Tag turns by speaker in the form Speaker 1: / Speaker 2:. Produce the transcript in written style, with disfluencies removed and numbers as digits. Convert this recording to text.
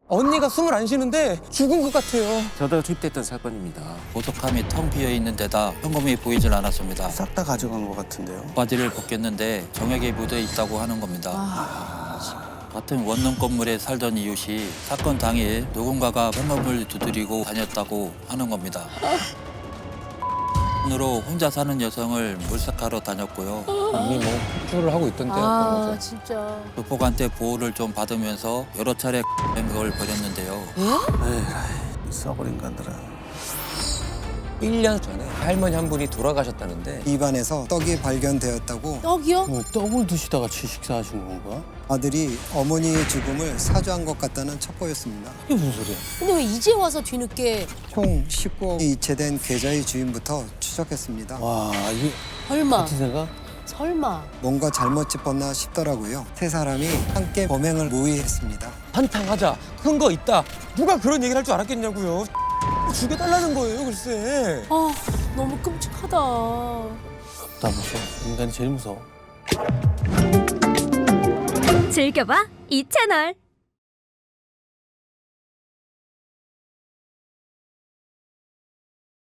Speaker 1: 언니가 숨을 안 쉬는데 죽은 것 같아요.
Speaker 2: 저도 투입됐던 사건입니다.
Speaker 3: 보석함이 텅 비어 있는 데다 현금이 보이질 않았습니다.
Speaker 4: 싹 다 가져간 것 같은데요.
Speaker 3: 바지를 벗겼는데 정액이 묻어 있다고 하는 겁니다. 같은 원룸 건물에 살던 이웃이 사건 당일 누군가가 현금을 두드리고 다녔다고 하는 겁니다. 으로 혼자 사는 여성을 물색하러 다녔고요.
Speaker 1: 이미 뭐 폭주를 하고 있던데.
Speaker 5: 아 진짜.
Speaker 3: 조폭한테 보호를 좀 받으면서 여러 차례 행각을 벌였는데요.
Speaker 4: 에이, 썩을 인간들아.
Speaker 1: 1년 전에 할머니 한 분이 돌아가셨다는데
Speaker 6: 입안에서 떡이 발견되었다고
Speaker 5: 떡이요?
Speaker 4: 뭐 떡을 드시다가 식사하신 건가?
Speaker 6: 아들이 어머니의 죽음을 사주한 것 같다는 첩보였습니다.
Speaker 4: 이게 무슨 소리야?
Speaker 5: 근데 왜 이제 와서 뒤늦게?
Speaker 6: 총 19억 이체된 계좌의 주인부터 추적했습니다.
Speaker 4: 와, 이게
Speaker 5: 설마.
Speaker 4: 같은 생각?
Speaker 5: 설마.
Speaker 6: 뭔가 잘못 짚었나 싶더라고요. 세 사람이 함께 범행을 모의했습니다.
Speaker 1: 한탕하자. 큰 거 있다. 누가 그런 얘기를 할 줄 알았겠냐고요. 죽여달라는 거예요, 글쎄.
Speaker 5: 아 너무 끔찍하다.
Speaker 4: 나 무서워. 인간이 제일 무서워.
Speaker 7: 즐겨봐 이 채널.